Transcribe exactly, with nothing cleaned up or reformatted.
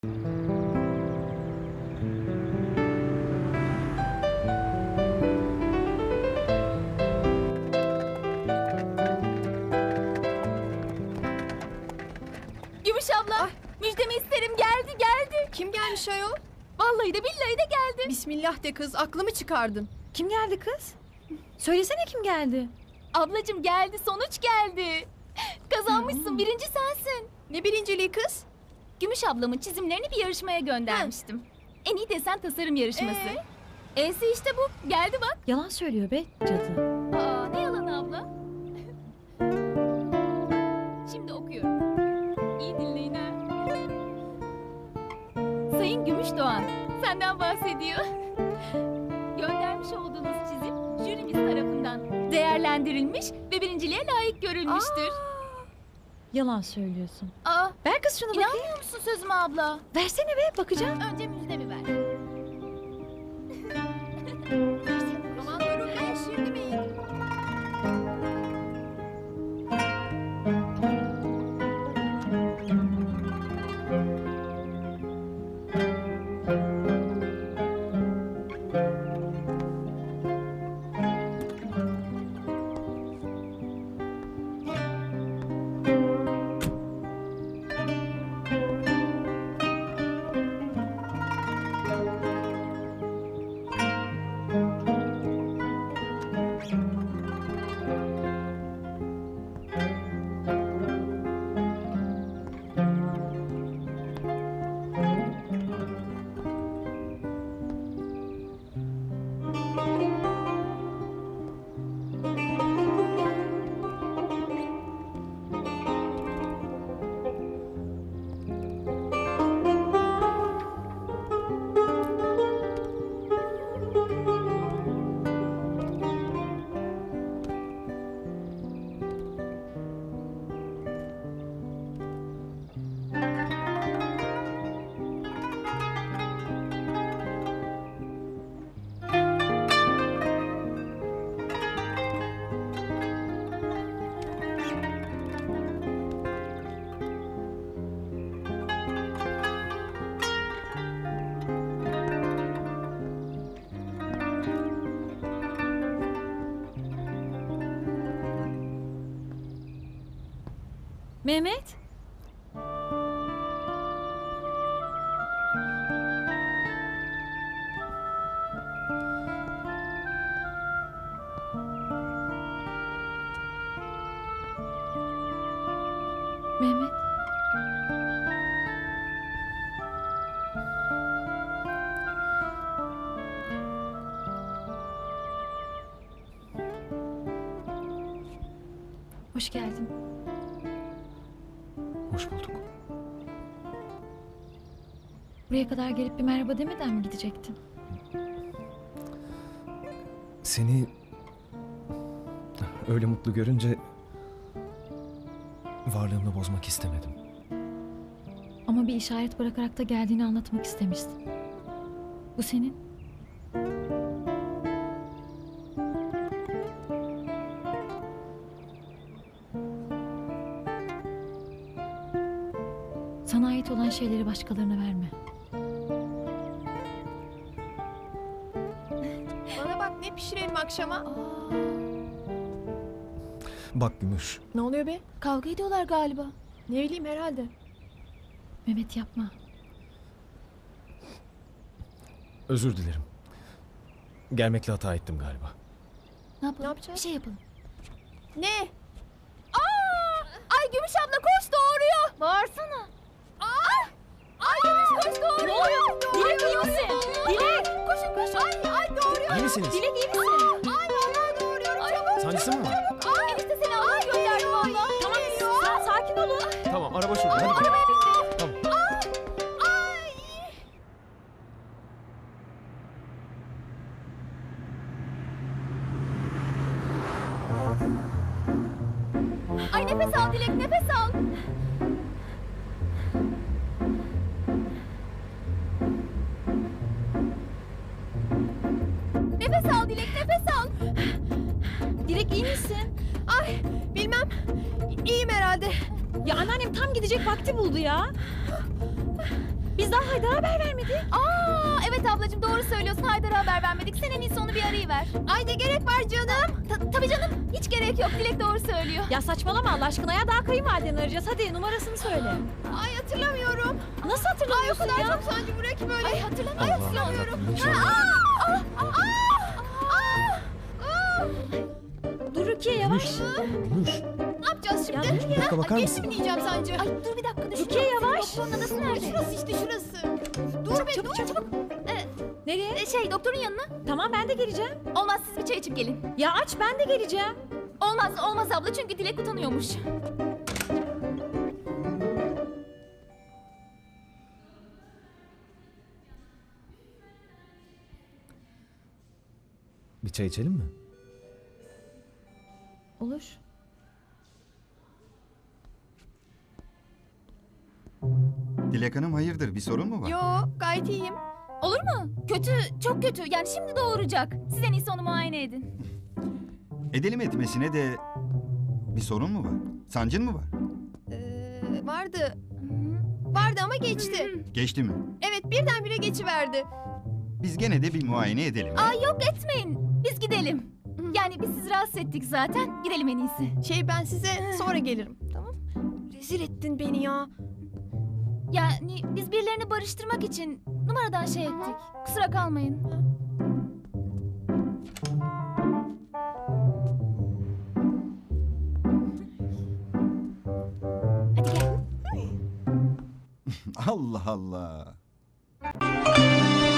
Gümüş abla, Ay. müjdemi isterim, geldi geldi. Kim gelmiş ayol? Vallahi de billahi de geldi. Bismillah de kız, aklımı çıkardın. Kim geldi kız? Söylesene kim geldi? Ablacığım geldi, sonuç geldi. Kazanmışsın, birinci sensin. Ne birinciliği kız? Gümüş ablamın çizimlerini bir yarışmaya göndermiştim. En iyi desen tasarım yarışması. Ee? E'si işte bu, geldi bak. Yalan söylüyor be cadı. Aa, ne yalanı abla? Şimdi okuyorum. İyi dinleyin ha. Sayın Gümüşdoğan, senden bahsediyor. Göndermiş olduğunuz çizim jürimiz tarafından değerlendirilmiş ve birinciliğe layık görülmüştür. Yalan söylüyorsun. Aa, Ver kız şunu bakayım. inanmıyor musun sözüme abla? Versene be, bakacağım. Önce müjdemi ver. Aman durun ben şimdi miyim? Mehmet. Mehmet. Hoş geldin. Hoş bulduk. Buraya kadar gelip bir merhaba demeden mi gidecektin? Seni öyle mutlu görünce varlığımı bozmak istemedim. Ama bir işaret bırakarak da geldiğini anlatmak istemiştin. Bu senin. Sana ait olan şeyleri başkalarına verme. Bana bak, ne pişirelim akşama? Aa, Bak Gümüş, Ne oluyor be? kavga ediyorlar galiba. Ne bileyim, herhalde. Mehmet yapma. özür dilerim. Gelmekle hata ettim galiba. Ne yapalım? Ne yapacağız? Bir şey yapalım. Ne? Aa! Ay Gümüş abla koş, doğuruyor. Bağırsana. Aa! Ay Gümüş koş, doğuruyor. Ne oluyor? Dilek iyi misin? Dilek. Koşun koşun. Ay ay doğuruyor. İyi misiniz? Dilek iyi misin? Ay vallahi doğuruyorum, çabuk. Sancısı mı var? Aa, enişte seni almaya gönderdi valla. Tamam, sa- sakin olun. Tamam, araba şurada. Hadi gidelim. Arabaya bindi. Tamam. Ay. Ay nefes al Dilek, nefes al. Nefes al Dilek, nefes al. Dilek iyi misin? Ay bilmem, İyiyim herhalde. Ya anneannem tam gidecek vakti buldu ya. Biz daha Haydar'a haber vermedik. Aa, evet ablacığım doğru söylüyorsun. Haydar'a haber vermedik. Sen en iyisi onu bir arayıver. Ay ne gerek var canım? Ta- tabii canım. Hiç gerek yok. Dilek doğru söylüyor. Ya saçmalama Allah aşkına ya, daha kayınvalideni arayacağız. Hadi numarasını söyle. Ay hatırlamıyorum. Nasıl Ay o hatırlamıyorsun kadar ya? çok sancı buraya ki böyle. Ay hatırlamıyorum. Allah'ım yarabbim, Ha, inşallah. aa, aa, aa, aa, aa. Dur Rukiye yavaş. Gümüş. Ne yapacağız şimdi? Ya, Bir dakika bakar Geçti mısın? mi diyeceğim sancı? Ay dur bir dakika düşün. Rukiye yavaş. Doktorun adası nerede? Şurası işte şurası. Dur be dur. çabuk. Ee, Nereye? e, şey doktorun yanına. Tamam ben de geleceğim. Olmaz siz bir çay içip gelin. Ya aç, ben de geleceğim. Olmaz olmaz abla çünkü Dilek utanıyormuş. Bir çay içelim mi? Olur. Dilek Hanım hayırdır, bir sorun mu var? Yo gayet iyiyim. Olur mu? Kötü, çok kötü. Yani şimdi doğuracak. Siz en iyisi onu muayene edin. Edelim etmesine de bir sorun mu var? Sancın mı var? Ee, vardı. Vardı ama geçti. Geçti mi? Evet birdenbire geçiverdi. Biz gene de bir muayene edelim. Aa yok etmeyin. Biz gidelim. Yani biz sizi rahatsız ettik zaten. Gidelim en iyisi. Şey ben size sonra gelirim. Tamam. Rezil ettin beni ya. Yani biz birilerini barıştırmak için numaradan şey ettik. Kusura kalmayın. Hadi gel. Allah Allah.